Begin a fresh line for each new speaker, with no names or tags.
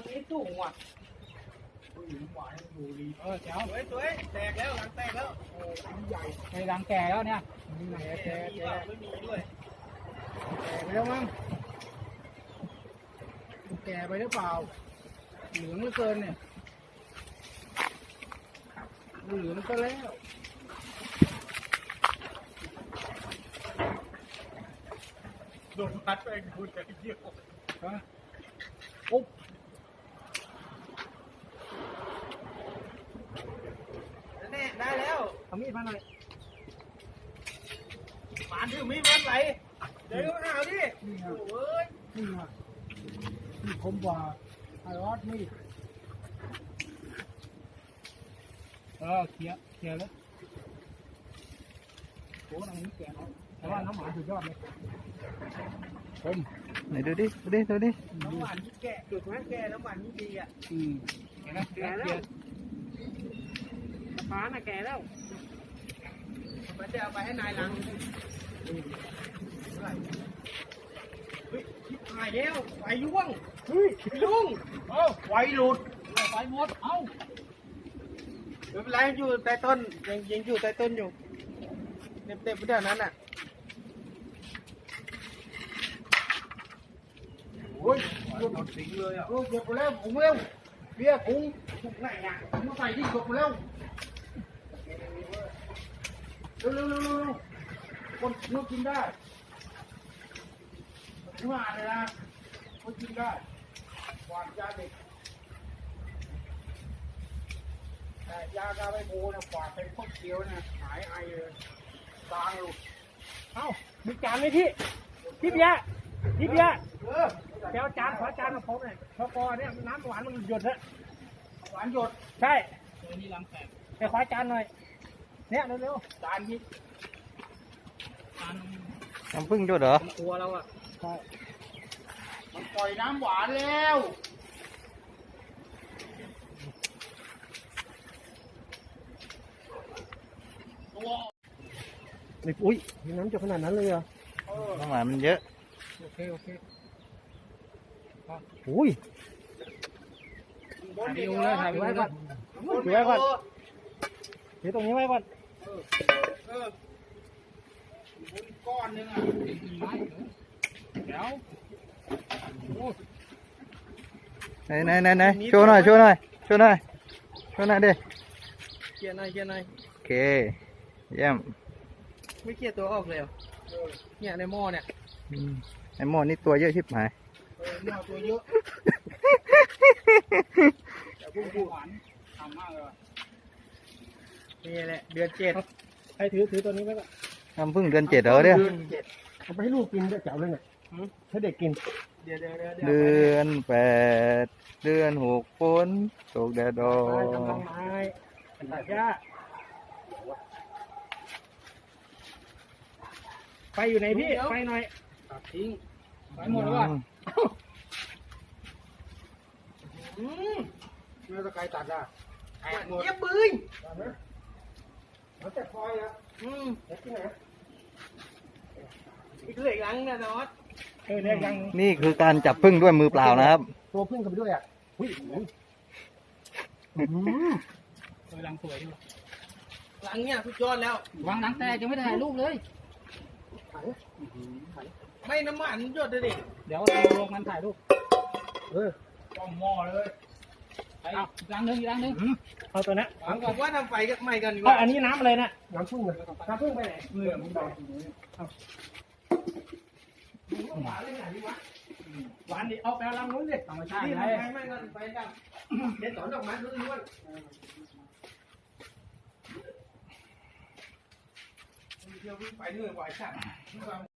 นี้สูงว่ะหวานดูดีแจ๋วสวยแตกแล้วหลังแตกแล้วโอ้ใหญ่ในหลังแก่แล้วเนี่ยมีไหนแก่ไม่มีด้วยแก่ไปแล้วมั้งแก่ไปหรือเปล่าเหลืองเหลือเกินเนี่ยเหลืองก็แล้วโดนพัดไปดูแต่เยี่ยวฮะอุ๊บแน่ได้แล้วทำมีดมาหน่อยหมาถือมีดมันไหลเดี๋ยวมาเอาดิโอ้ยนี่มานี่คมกว่าไอ้รอดนี่เคลียร์แล้วโอ้ยอันนี้แก่แล้วแต่ว่าน้ำหวานสุดยอดเลย
ไหนดูดิ
น้ำหวานที่แก่จุดนั้นแก่น้ำหวานที่ดีอ่ะแก่แล้วฟ้าน่ะแก่แล้วมันจะเอาไปให้นายหลังเฮ้ยหายแล้วไฟยุ่งยุ่งไฟหลุดไฟหมดไม่เป็นไรอยู่ใต้ต้นยังอยู่ใต้ต้นอยู่เต็มๆไปเดี๋ยวนั้นอ่ะโอ้ยหลุดสิงเลยอ่ะหลุดไปแล้วผมเร็วเบี้ยกุ้งถูกไหนอ่ะผมมาใส่ที่หลุดไปแล้วเร็วคนนู้นกินได้ไม่ว่าเลยนะคนกินได้หวานยาเด็กแต่ยากาไปโบนะฝาดเป็นพวกเขียวนะหายไอเลยตางหลุดมีจานไหมพี่เบียร์เดี๋ยวจานขอจานมาผมหน่อยพอเนี่ยน้ำหวานมันหยดฮะหวานหยดใช่นี่ล้างแตกไปขอจานหน่อยเนี่ยเร็วๆจานพี่
น้ำผึ้งด้วยเหรอ
กลัวเราอ่ะใช่มันปล่อยน้ำหวานแล้วอุ้ยมีน้ำจะขนาดนั้นเลยเหรอ
น้ำหวานมันเยอะ
โอเคอุ้ยถ่ายวิวเลยถ่ายไว้ก่อนถือไว้ก่อนถือตรงนี้ไว้ก่อนก้อนนึงอ่ะเดี๋ยว
ไหนโชว์หน่อยดิเกียร์หน่อยโอเคเยี่ยม
ไม่เกียร์ตัวออกเลยเนี่ยในหม้อเนี่ย
ไอหม้อนี่ตัวเยอะชิบหาย
หม้อตัวเยอะแต่พุ่งหวานทำมากเลยนี่แหละเดือน7ให้ถือตัวนี้ไว้ก่อน
น้ำผึ้งเดือน7เหรอเนี่ย
เอาไปให้ลูกกินได้เจ๋วเลยเนี่ยให้เด็กกิน
เดือน8เดือน6ฝนตกแดดดอก
กำลังไม้ตัดหญ้าไฟอยู่ไหนพี่ไฟหน่อยตัดทิ้งไฟหมดแล้วว่ะเมื่อตะไคร้ตัดอ่ะหมดเยี่ยมปืนมันจะคอยอ่ะที่ไหนอีกเหลืออีกลังนะนอส
นี่คือการจับผึ้งด้วยมือเปล่านะครับ
ตัวผึ้งกันไปด้วยอ่ะลังสวยดีลังเนี่ยสุดยอดแล้ววางหลังแต่ยังไม่ได้ถ่ายรูปเลยไม่น้ำมันหยดเลยดิเดี๋ยวเราลงมันถ่ายรูปต้องหม้อเลยอีกลังหนึ่งเอาตัวนี้ผมว่าทำไฟกันใหม่กันดีกว่าอันนี้น้ำอะไรนะน้ำผึ้งไปไหนหวานเลยไหนดีวะหวานดิเอาไปลำนู้นดิธรรมชาติเลยไม่กันไปกันเด็ดสอนดอกไม้ล้วนเที่ยววิ่งไปเรื่อยไหวสั่ง